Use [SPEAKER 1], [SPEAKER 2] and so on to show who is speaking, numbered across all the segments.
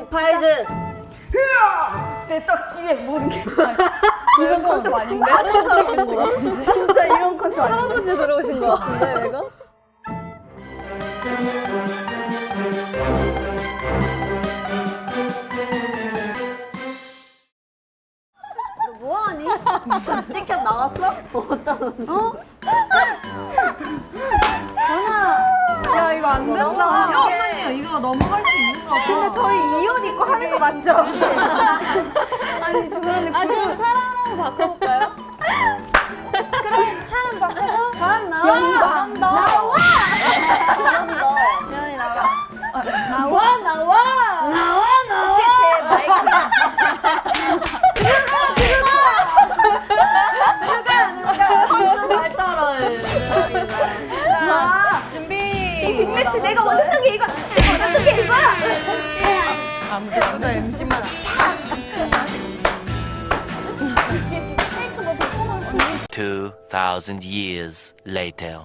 [SPEAKER 1] 팔즈.
[SPEAKER 2] 내 딱 뒤에 모르는 게 이런 컨셉 아닌데? 다른 사람인 것 같은데? 진짜 이런 컨셉 아닌데?
[SPEAKER 1] 할아버지 들어오신 것 같은데 내가? 너 뭐하니? 저 찍혀 나왔어? 어디다 놓지?
[SPEAKER 2] 야 이거 안 된다.
[SPEAKER 3] 잠깐만요. 이거 넘어갈 수 있는 거 같아요.
[SPEAKER 2] 근데 저희 이 옷 입고 하는 거 맞죠?
[SPEAKER 1] 아니 죄송한데 그럼 사람으로 바꿔볼까요? 그럼 사람 바꿔서 다음 나와. 나와. 지연이 나와. 나와. 혹시 제 마이크 들어가. 말 따라해.
[SPEAKER 3] 자, 준비.
[SPEAKER 2] 빅매치 내가 원했던 게 이거. 원했던 게 이거야.
[SPEAKER 3] 아무도 MC만.
[SPEAKER 4] 2,000 years later.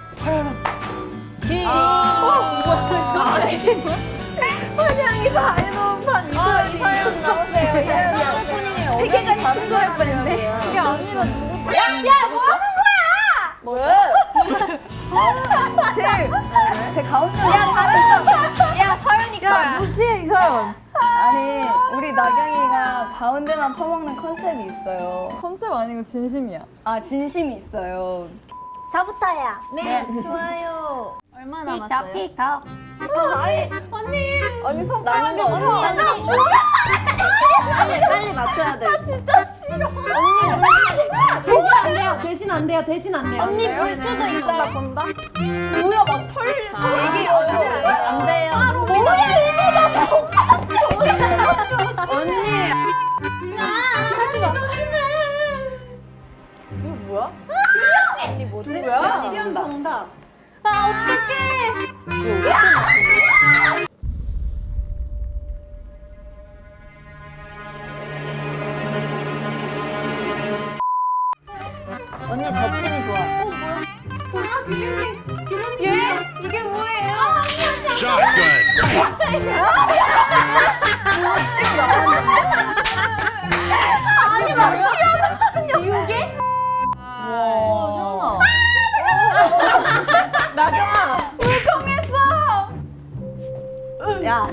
[SPEAKER 2] 환영이 다 해놓은 판
[SPEAKER 1] 이서연 나오세요.
[SPEAKER 2] 세계관이 충돌할 뻔했네.
[SPEAKER 1] 이게 아니라 누구?
[SPEAKER 2] 야, 뭐 하는 거야?
[SPEAKER 1] 뭐야?
[SPEAKER 2] 제 가운데. 야, 잘했어.
[SPEAKER 1] 야 서연이 거야.
[SPEAKER 2] 무시해, 이서연. 아니, 우리 나경이가 가운데만 퍼먹는 컨셉이 있어요.
[SPEAKER 5] 컨셉 아니고 진심이야.
[SPEAKER 2] 아, 진심이 있어요.
[SPEAKER 1] 저부터야.
[SPEAKER 2] 네.
[SPEAKER 1] 좋아요. 얼마 남았어요?
[SPEAKER 2] 틱톡.
[SPEAKER 1] 아니 손가락이 언니 빨리 맞춰야 돼. 진짜 싫어.
[SPEAKER 3] 대신 안 돼요. 대신 안 돼요.
[SPEAKER 1] 언니 물 수도 있다 본다.
[SPEAKER 5] 뭐야 막 털.
[SPEAKER 1] 이게 안 돼요. 뭐야 언니. 하지 마. 이거 뭐야? 언니 뭐지? 뭐야?
[SPEAKER 5] 지연 정답.
[SPEAKER 1] 언니 저 핀이 좋아.
[SPEAKER 4] Shotgun.
[SPEAKER 1] 지우개?
[SPEAKER 5] 나경아.
[SPEAKER 1] 야.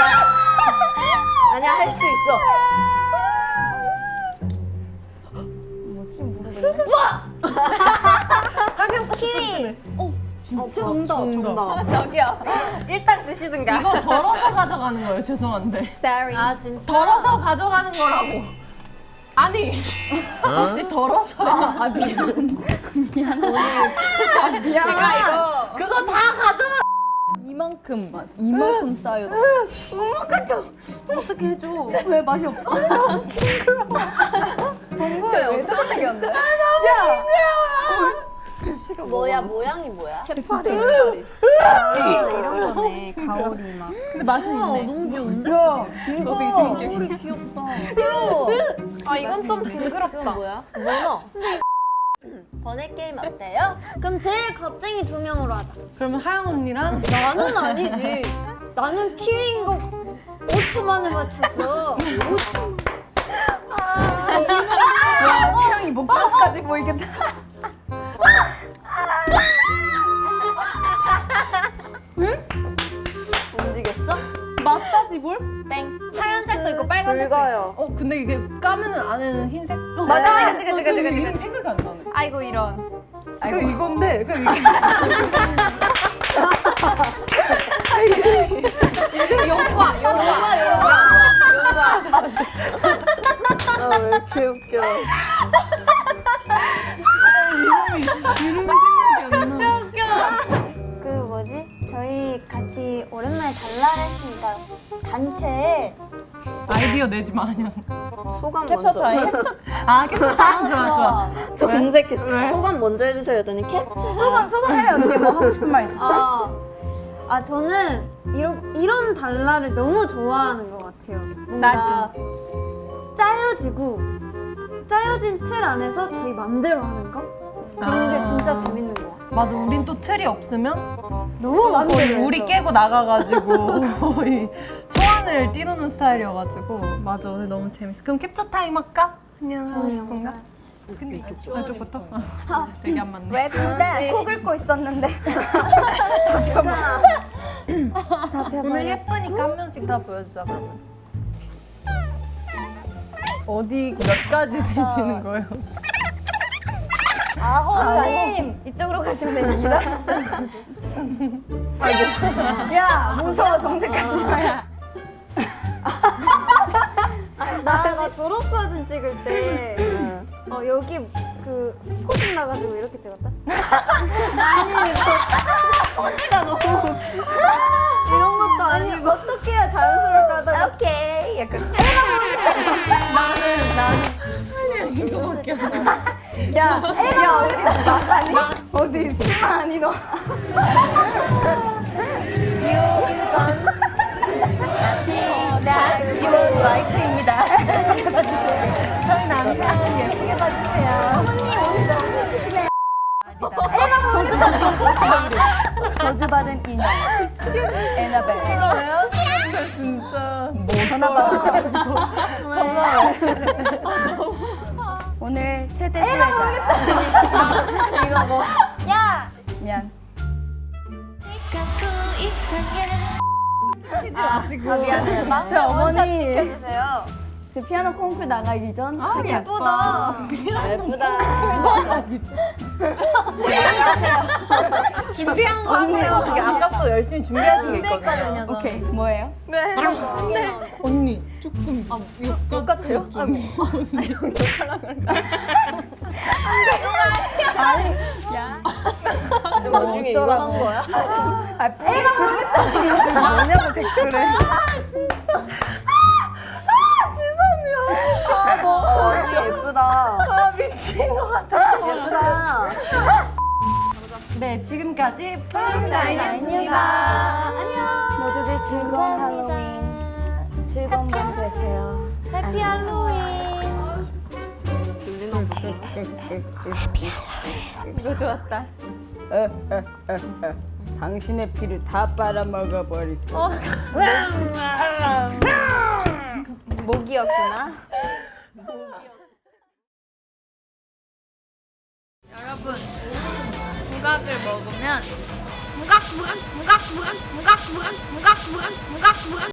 [SPEAKER 1] 아니야 할 수 있어. 정답.
[SPEAKER 5] 저기요.
[SPEAKER 1] 일단 주시든가.
[SPEAKER 3] 이거 덜어서 가져가는 거예요. 죄송한데.
[SPEAKER 1] Sorry. 아 진짜.
[SPEAKER 3] 덜어서 가져가는 거라고. 아니. 혹시 덜어서. 아 미안.
[SPEAKER 1] 내가 이거
[SPEAKER 3] 그거 다 가져가.
[SPEAKER 5] 이만큼 맞아. 이만큼 쌓여.
[SPEAKER 1] 어떻게 해줘?
[SPEAKER 5] 왜 맛이 없어? 정국이 왜 저렇게 생겼는데?
[SPEAKER 1] 뭐야 모양이 뭐야?
[SPEAKER 5] 해파리.
[SPEAKER 1] 이런 거네. 가오리 막.
[SPEAKER 3] 근데 맛은 있네.
[SPEAKER 5] 너무 귀여운데?
[SPEAKER 1] 이거
[SPEAKER 5] 되게 재밌게.
[SPEAKER 1] 귀엽다. 아 이건 좀 징그럽다. 뭐야? 문어. 번외 게임 어때요? 그럼 제일 겁쟁이 2명으로 하자.
[SPEAKER 3] 그러면 하영 언니랑
[SPEAKER 1] 나는 아니지. 나는 키위인 거 5초 만에 맞췄어. 5초.
[SPEAKER 5] 와, 채영이 목젖까지 보이겠다.
[SPEAKER 1] 움직였어?
[SPEAKER 3] 마사지 볼?
[SPEAKER 1] 땡.
[SPEAKER 3] 하얀색도 있고 빨간색도
[SPEAKER 1] 붉어요.
[SPEAKER 3] 있어. 근데 이게 까면은 안에는 흰색.
[SPEAKER 1] 맞아.
[SPEAKER 3] 이름 생각이 안 나네.
[SPEAKER 1] 아이고 이런.
[SPEAKER 3] 아이고 이건데. 그 이게
[SPEAKER 1] 용과. 아 왜 이렇게 웃겨.
[SPEAKER 3] 이름이 생각이 안 나.
[SPEAKER 1] 그 뭐지? 저희 같이 오랜만에 달라를 했으니까 단체에
[SPEAKER 3] 아이디어 내지 마냥.
[SPEAKER 1] 소감
[SPEAKER 5] 캡처
[SPEAKER 1] 먼저.
[SPEAKER 5] 타임.
[SPEAKER 3] 아 괜찮다. 좋아.
[SPEAKER 1] 저 검색했어.
[SPEAKER 3] 왜?
[SPEAKER 1] 소감 먼저 해주세요. 했더니 캡처.
[SPEAKER 2] 소감 해. 언니 뭐 하고 싶은 말 있었어?
[SPEAKER 1] 저는 이런 달라를 너무 좋아하는 것 같아요. 뭔가 짜여진 틀 안에서 저희 맘대로 하는 거? 그런 게 진짜 재밌는 것 같아요.
[SPEAKER 3] 맞아. 우린 또 틀이 없으면
[SPEAKER 1] 너무 맘대로
[SPEAKER 3] 거의 우리
[SPEAKER 1] 해서.
[SPEAKER 3] 깨고 나가가지고 거의 초안을 시간을 띄우는 스타일이어가지고 맞아 오늘 너무 재밌어. 그럼 캡처 타임 할까? 그냥 하고 싶은가? 근데 이쪽부터? 되게 안 맞네.
[SPEAKER 2] 왜 근데 코 긁고 있었는데.
[SPEAKER 3] 오늘 예쁘니까 한 명씩 다 보여주자. 그러면. 어디 몇 가지 세시는 거예요?
[SPEAKER 2] 아님 이쪽으로 가시면 됩니다. 야 무서워 정색하지 마야.
[SPEAKER 1] 나 졸업사진 찍을 때 여기 그 포즈 나가지고 이렇게 찍었다. 포즈가 너무 이런 것도 아니고 어떻게 해야 자연스러울까 하다가
[SPEAKER 2] 오케이 약간.
[SPEAKER 3] 이거밖에 안 돼.
[SPEAKER 2] 야 어디 치마 아니 너. 나 지원 마이크입니다. 봐주세요. 저희 남편 예쁘게 봐주세요. 어머니 오늘 너무 예쁘시네요. 저주받은 인형. 에나벨.
[SPEAKER 3] 진짜.
[SPEAKER 2] 전화 받아. 전화. 오늘 최대 수혜자. 이거 뭐? 야. 미안.
[SPEAKER 1] 미안해요. 막내
[SPEAKER 2] 저
[SPEAKER 1] 원샷
[SPEAKER 2] 어머니.
[SPEAKER 1] 지켜주세요.
[SPEAKER 2] 제 피아노 콩쿨 나가기 전.
[SPEAKER 1] 예쁘다. 예쁘다.
[SPEAKER 3] 준비한 거 하세요. 되게 아까부터 열심히 준비하신 게 있거든요.
[SPEAKER 1] 했거든요.
[SPEAKER 2] 오케이 뭐예요?
[SPEAKER 1] 네.
[SPEAKER 3] 언니 조금 똑같아요.
[SPEAKER 2] 야.
[SPEAKER 1] 뭐 중에 이거 한 거야?
[SPEAKER 2] 아, 애가 모르겠다. 뭐냐고 댓글에.
[SPEAKER 1] 너무 예쁘다.
[SPEAKER 3] 미친 것 같아.
[SPEAKER 1] 예쁘다.
[SPEAKER 3] 네, 지금까지
[SPEAKER 2] 프린스아이였습니다. 안녕. 모두들 즐거운 할로윈. 즐거운 밤 되세요.
[SPEAKER 1] 해피 할로윈.
[SPEAKER 2] 이거 좋았다.
[SPEAKER 5] 당신의 피를 다 빨아먹어버릴
[SPEAKER 2] 목이었구나.
[SPEAKER 6] 여러분, 부각을 먹으면 무각